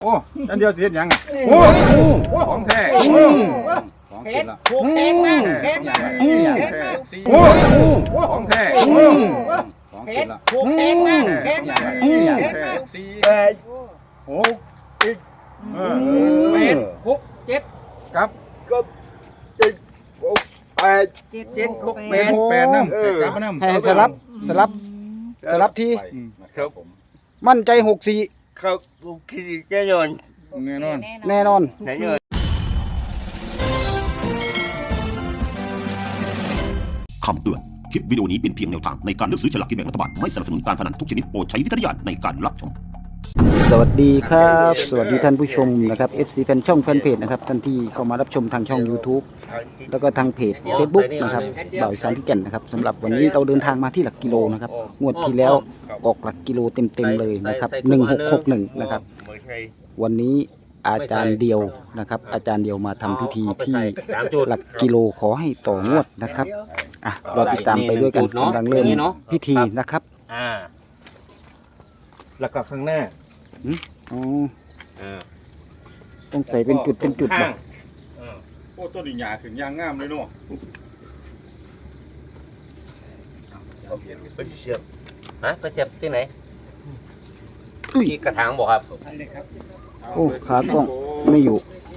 โอ้อันเดียวเสียยังโอ้ของแท้ของกินละของแท้โอ้ของแท้ของกินละโอ้อีก8 6 7ครับ7 6 8น้ำกลับมาน้ำให้สลับทีครับผมมั่นใจ64 ครับคิดแน่นอนแน่นอนคำเตือน คลิปวิดีโอนี้เป็นเพียงแนวทางในการเลือกซื้อฉลากกินแบ่งรัฐบาล ไม่สนับสนุนการพนันทุกชนิดโปรดใช้วิจารณญาณในการรับชมสวัสดีครับ สวัสดีท่านผู้ชมนะครับ FC แฟนช่องแฟนเพจนะครับท่านที่เข้ามารับชมทางช่อง YouTube แล้วก็ทางเพจ Facebook นะครับบ่าวสารพิกันนะครับสำหรับวันนี้เราเดินทางมาที่หลักกิโลนะครับงวดที่แล้วออกหลักกิโลเต็มๆเลยนะครับ1661นะครับวันนี้อาจารย์เดียวนะครับอาจารย์เดียวมาทำพิธีที่หลักกิโลขอให้ต่องวดนะครับเราติดตามไปด้วยกันกำลังเริ่มพิธีนะครับแล้วก็ข้างหน้าต้องใส่เป็นจุดบ่โอ้ต้นหญ้าขึ้นยางงามเลยเนาะไปเสียบไปเสียบที่ไหนที่กระถางบอกครับโอ้ขากล้องไม่อยู่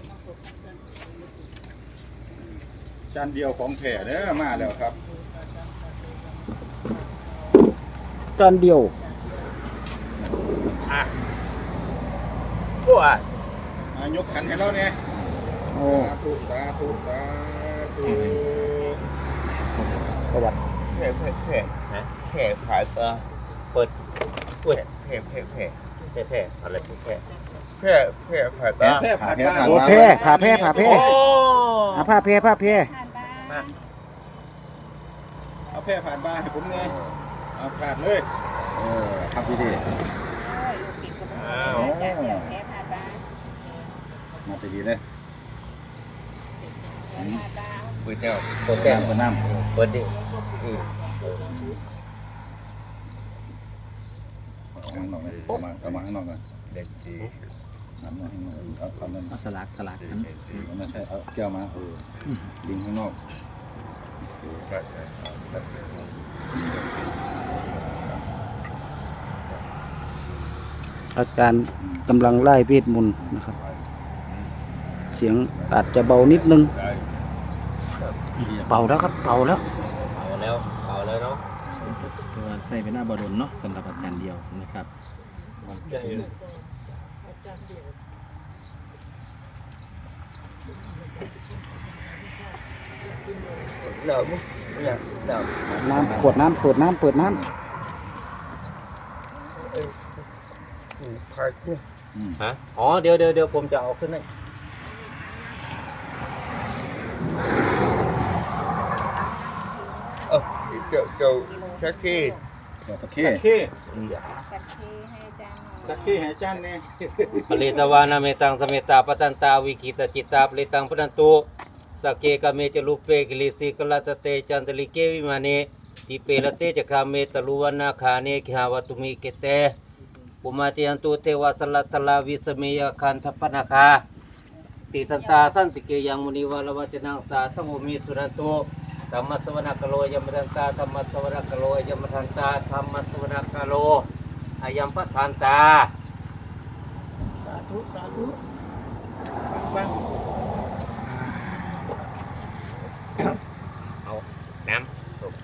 จานเดียวของแท้เด้อมาแล้วครับจานเดียวโอ้ยกขันให้เราเนี่ยโอ้สาธุประวัติแผ่ขายเปิดเว้ยแผ่อะไรแผ่ขายแผ่ผ่านบ้านโอ้แผ่ผ่าแผ่ผ้าแผ่เอาแผ่ผ่านบ้านให้ผมเนี่ยเอาผ่านเลยทำดีมาไปดีเลยเปิดแก้วเปิดน้ำเปิดดิเอามาข้างนอกกันเด็กดีน้ำข้างนอกเอาคำนั้นสลักไม่ใช่เอาแก้วมาดิงข้างนอกอาจารย์กำลังไล่เวทมนต์นะครับเสียงอาจจะเบานิดนึงเป่าแล้วครับเป่าแล้วเนาะตัวใส่เป็นหน้าบดลเนาะสำหรับอาจารย์เดียวนะครับน้ำขวดน้ำเปิดน้ำอ๋อเดี๋ยวผมจะเอาขึ้นให้เจ้าชักขี้ให้จานเนี่ยผลิตวานาเมตังสเมตาปตันตาวิกิตจิตตาผลิตังปนันตุสเกกเมจลุเปกิลิสิกลาตเตจันตลิเกวิมาเนติเปรเตจคาเมตลุวนาคาเนขาวตุมิเกเตปุมาเจยันตุเทวสลัตตลาวิสเมยคันทปนาคาติทันตาสันติเกยังมุนีวาลวัจนังสาธโมมิสุรันตุธรรมสวนกโลยมทันตาธรรมสวนกโลยมทันตาธรรมสวนกโลอายัมปทันตาสาธุเอาน้ำ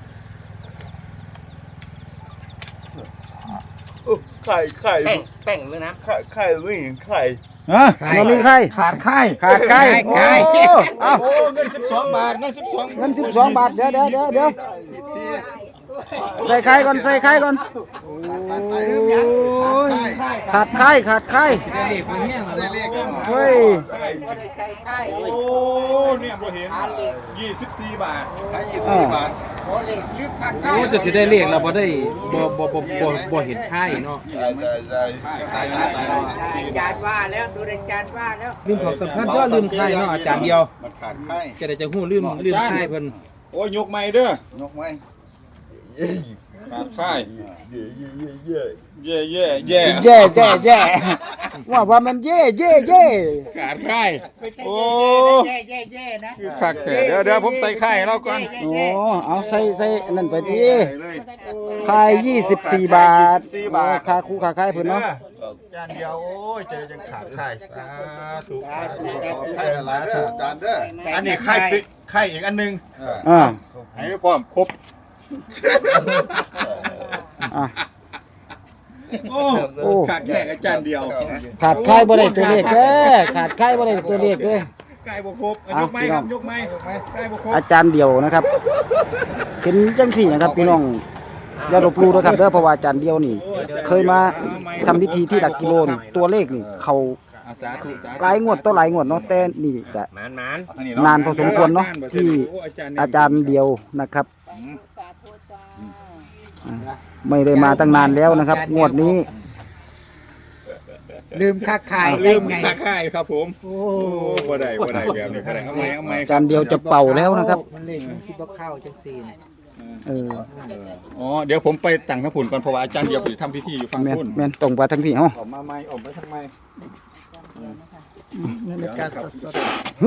ไข่แป้งหรือน้ำไข่ไม่เห็นไข่เรามีไข่ขาดไข่โอ้เงิน12 บาทเงิน 12 บาทเดี๋ยวใส่ไข่ก่อนขาดไข่เฮ้ยโอ้เนี่ยบ่เห็น24 บาทขาย24 บาทโอ้จะสิได้เลขแล้วบ่ได้บ่เห็นไข่เนาะอาจารย์ว่าแล้วดูอาจารย์ว่าแล้วลืมของสำคัญก็ลืมไข่เนาะอาจารย์เดียวมันขาดไข่จะได้จะฮู้ลืมไข่เพิ่นโอ้ยยกไม้เด้อยกไม้ขาดค่ายเย่เย่เย่แย่ว่ามันเย่ขาดค่ายโอ้แย่นะคือคักแท้เดี๋ยวผมใส่ค่ายให้เราก่อนโอ้เอาใส่นั่นไปดิเลยขาย24 บาท 24 บาทค่าคู่ค่าขายเพิ่นเนาะจานเดียวโอ้ยเจอจังขาดค่ายสาธุค่ายละลายจานเด้ออันนี้ค่ายปิดค่ายอีกอันนึงอ่าให้พร้อมครบอ่ะโอ้ขาดแค่อาจารย์เดียวขาดขายบ่ได้ตัวเลขเด้อขาดขายบ่ได้ตัวเลขเด้อใกล้บ่ครบยกไม้ครับยกไม้ใกล้บ่ครบอาจารย์เดียวนะครับเห็นจังสี่นะครับพี่น้องอย่าลบหลู่นะครับเด้อเพราะว่าอาจารย์เดียวนี่ เคยมาทำพิธีที่หลักกิโลนี่ตัวเลขนี่เขาสาธุหลายงวดต่อหลายงวดเนาะแต่นี่จะหมานนานพอสมควรเนาะที่อาจารย์เดียวนะครับไม่ได้มาตั้งนานแล้วนะครับ งวดนี้ลืมค่าขายลืได้มไงค่าค่ายครับผมโอ้บ่ได้แบบนี้บ่ได้เอาไหมอาจารย์เดียวจะเป่าแล้วนะครับมันเล่นมันสิบ่เข้าจังซี่น่ะเอออ๋อเดี๋ยวผมไปตั้งน้ำผุนก่อนเพราะว่าอาจารย์เดียวไปทำพิธีอยู่ฝั่งแม่นพุ่นแม่นตรงไปทั้งพี่เฮาออกมาไหมออกไปทางไหมในการสด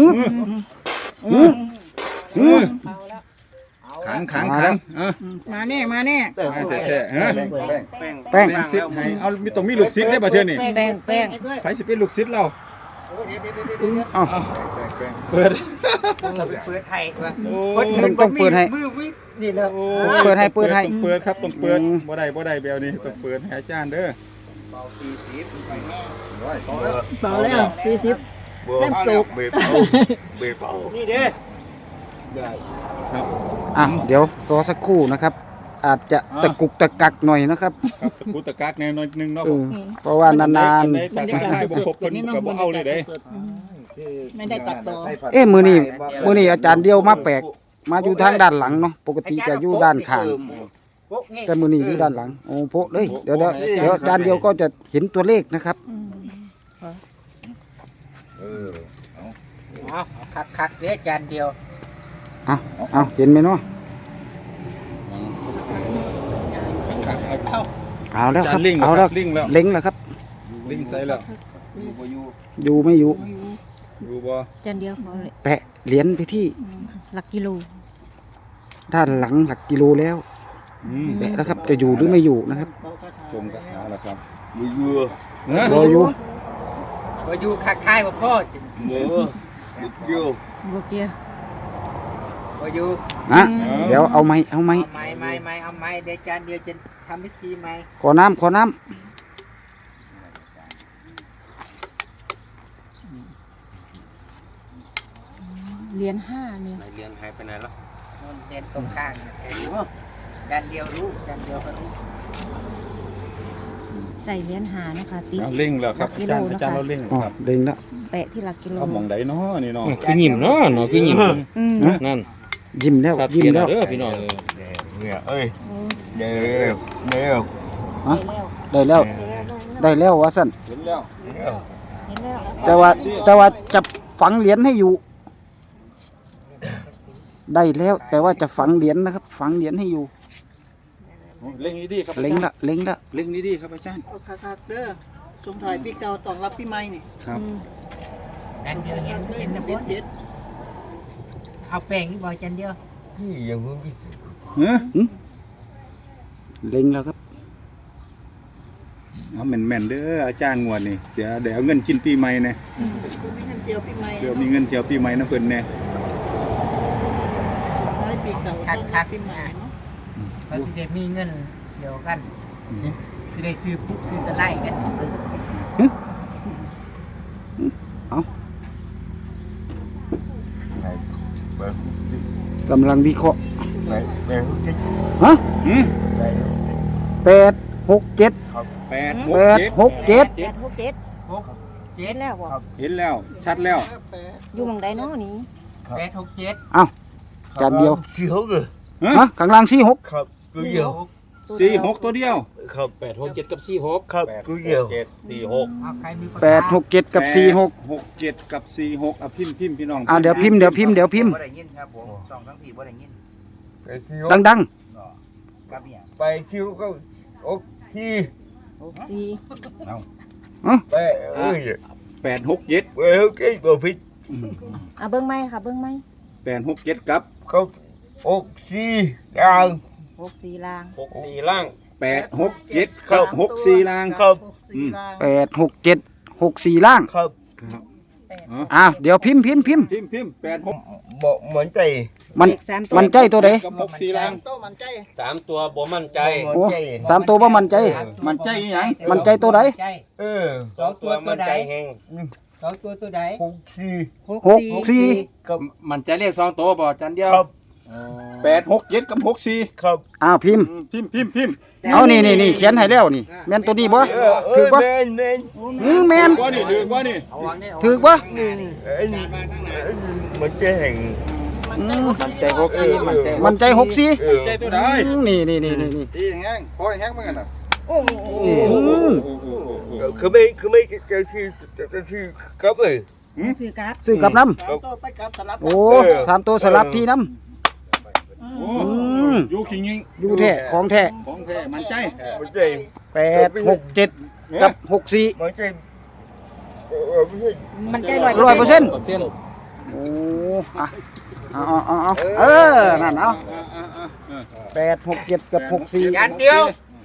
ขังมาแน่แท้ๆฮะแป้งซิดให้เอามีต้องมีลูกศิษย์ได้บ่เทื่อนี่แป้งไผสิเป็นลูกศิษย์เราเอ้าเปิดเราไปเปิดให้ว่าโอ้ต้องเปิดให้มือวินี่แล้วเปิดให้ต้องเปิดครับต้องเปิดบ่ได้แบบนี้ต้องเปิดให้อาจารย์เด้อเบา40ไปแน่เบาแล้ว40เล่มสุกนี่เด้ครับอ่ะเดี๋ยวรอสักครู่นะครับ อาจจะตะกุกตะกักหน่อยนะครับครับกูตะกักแนวนึงเนาะเออเพราะว่านานในตาค่ายบ่ครบเพิ่นก็บ่เอาเลยเด้ไม่ได้ตัดต่อๆเอ๊ะมื้อนี้อาจารย์เดียวมาแปลกมาอยู่ทางด้านหลังเนาะปกติจะอยู่ด้านข้างโป๊ะนี่แต่มื้อนี้อยู่ด้านหลังโอ้โพะเลยเดี๋ยวอาจารย์เดียวก็จะเห็นตัวเลขนะครับเอาคักๆเด้อจานเดียวเอาเห็นไหมเนาะเอาแล้วครับลิงเอาแล้วลิงแล้วเล็งแล้วครับลิงใส่แล้วอยู่ไม่อยู่อยู่บ่จานเดียวพอเลยแปะเหรียญไปที่หลักกิโลด้านหลังหลักกิโลแล้ว แปะแล้วครับจะอยู่หรือไม่อยู่นะครับจมกระถาแล้วครับรออยู่บ่อยู่ค่ายบ่พ่อบัวเกียร์บ่อยู่นะเดี๋ยวเอาไม้เอาไม้เดี๋ยวจานเดียวจะทำพิธีใหม่ขอน้ำเหรียญ5เนี่ยไหนเรียนหายไปไหนแล้วมันเด่นตรงข้างนะจานเดียวรู้จานเดียวก็รู้ใส่เหรียญ5นะคะติ๊กเอาลิงแล้วครับอาจารย์เราลิงอ๋อครับเล็งแล้วแปะที่หลักกิโลเอาหม่องใดเนาะนี่เนาะคือยิ้มเนาะคือยิ้มอืมนั่นยิ้มแล้วสัตว์ยิ้มเกียรแล้วเด้อพี่น้องโอ้ฮะได้แล้วว่าสั่นเห็นแล้วเห็นแล้วแต่ว่าจะฝังเหรียญให้อยู่ ได้แล้วแต่ว่าจะฝังเหรียญนะครับ ฝังเหรียญให้อยู่เล็งดีครับเล็งละเล็งดีครับอาจารย์เอาคักๆเด้อสงถ่ายปีเก่าต้อนรับปีใหม่นี่ครับจานเดียวเห็นนะเด็บ่ดเด็ดเอาแป้งนี่บ่จานเดียวเฮ้ยเล็งแล้วครับเอาแม่นๆเด้ออาจารย์งวดนี่เสียเดี๋ยวเอาเงินกินปีใหม่แน่มีเงินเดียวปีใหม่เดี๋ยวมีเงินเที่ยวปีใหม่นะเพิ่นแน่ท้ายปีเก่าต้อนรับปีใหม่เนาะเขาสิได้มีเงินเดียวกันสิได้ซื้อปุ๊กซื้อตะไลกันกำลังวิเคราะห์ฮะหืม 8 6 7 8 8 6 7 8 6 7 6 เห็นแล้วบ่เห็นแล้วชัดแล้วอยู่หม่องใดเนาะนี่ 7 8 6 7 จานเดียวฮะฮะข้างล่าง4 6 4 6ตัวเดียว 8 6 7กับ4 6 7 4 6 เอาใครมี 8 6 7 กับ 4 6 6 7กับ4 6อ่ะพิมพ์พี่น้องเดี๋ยวพิมพ์บ่ได้ยินครับผมสองทั้งผีบ่ได้ยินดังไปคิวก็โอเคสี่ไปเอ้ย 867 เอ้ยโอเคบ่ผิดเบิ้งไหมค่ะเบิ้งไหม 867ครับเขาโอเคอย่าง 64ล่าง 64ล่าง 867ครับ64ล่างครับ 8 6 7 6 4ล่างครับเดี๋ยวพิมพ์พิมพ์86 บ่เหมือนใจมันใจตัวใดกับ64ล่างโตมันใจ 3 ตัวบ่มั่นใจโอ้3ตัวบ่มั่นใจมันใจอีหยังมั่นใจตัวใด 2 ตัวมั่นใจแฮง 2 ตัวตัวใดโอเค 6 4 มันจะเรียก2ตัวบ่จานเดียวครับ 867กับ64 ครับพิมพ์พิมพ์เอานี่เขียนให้แล้วนี่แม่นตัวนี้บ่ถือบ่แม่นแม่นบ่นี่ถือบ่นี่ถือบ่เหมือนใจแห่งมันใจ64 มันใจ6 4 ใจตัวใดนี่ดีแห้งคอแห้งเหมือนกันน่ะคือไม่จะที่ครับเอ้ยซื้อกราฟซื้อกับน้โตไปกราฟสลับำโอ้3ตัวสลับที่น้อยู่ขิงยิงำอยู่แท้ของแท้ของแท้มันใจเหมือนใจ 8 6 7กับ6 4 เหมือนใจไม่ใช่มันใจ 100% เปอร์เซ็นต์โอ้นั่นเอา8 6 7กับ6 4 จานเดียว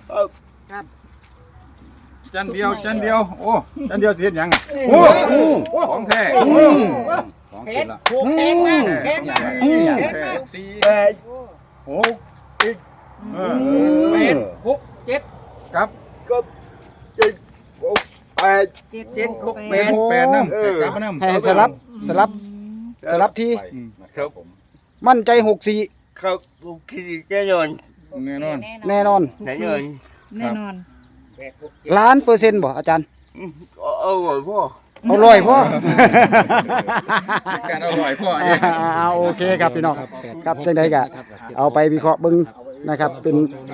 จันเดียวโอ้จันเดียวเสียหยังโอ้ของแท้ของแท้ละแข็งมากแข็งมากแปดโอ้เป็น6 7 ครับก็เจ็ดแปด 7 6 8นำกลับมานำให้สลับที่ครับมั่นใจ6 4 ครับขี้แน่นอนแน่นอนแน่นอนแน่นอนแน่นอน 1,000,000%บ่อาจารย์เอาหน่อยพ่อเอาร้อยพ่อการอร่อยพ่อโอเคครับพี่น้องครับจังไดก็เอาไปวิเคราะห์เบิ่งนะครับเป็น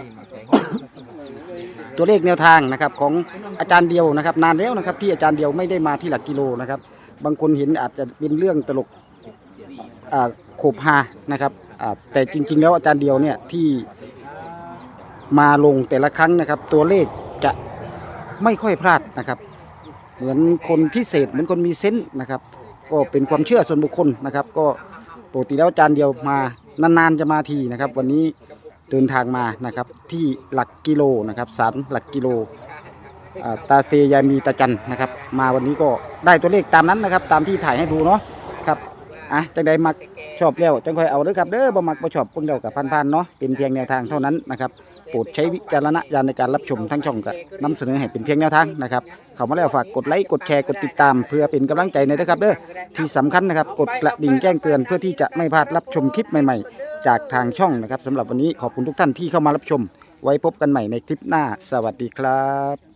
ตัวเลขแนวทางนะครับของอาจารย์เดียวนะครับนานแล้วนะครับที่อาจารย์เดียวไม่ได้มาที่หลักกิโลนะครับบางคนเห็นอาจจะเป็นเรื่องตลกโขบฮานะครับแต่จริงๆแล้วอาจารย์เดียวเนี่ยที่มาลงแต่ละครั้งนะครับตัวเลขจะไม่ค่อยพลาดนะครับเหมือนคนพิเศษเหมือนคนมีเซนส์นะครับก็เป็นความเชื่อส่วนบุคคลนะครับก็ปกติแล้วอาจารย์เดียวมานานๆจะมาทีนะครับวันนี้เดินทางมานะครับที่หลักกิโลนะครับศาลหลักกิโลตาเซยามีตาจันนะครับมาวันนี้ก็ได้ตัวเลขตามนั้นนะครับตามที่ถ่ายให้ดูเนาะครับจังใดมักชอบแล้วจังค่อยเอาเด้อครับเด้อบ่มักบ่ชอบเพิ่งเดียวกับพันๆเนาะเป็นเพียงแนวทางเท่านั้นนะครับโปรดใช้วิจารณญาณในการรับชมทั้งช่องก็นำเสนอให้เป็นเพียงแนวทางนะครับเข้ามาแล้วฝากกดไลค์กดแชร์กดติดตามเพื่อเป็นกำลังใจในนะครับเด้อที่สำคัญนะครับกดกระดิ่งแจ้งเตือนเพื่อที่จะไม่พลาดรับชมคลิปใหม่ๆจากทางช่องนะครับสำหรับวันนี้ขอบคุณทุกท่านที่เข้ามารับชมไว้พบกันใหม่ในคลิปหน้าสวัสดีครับ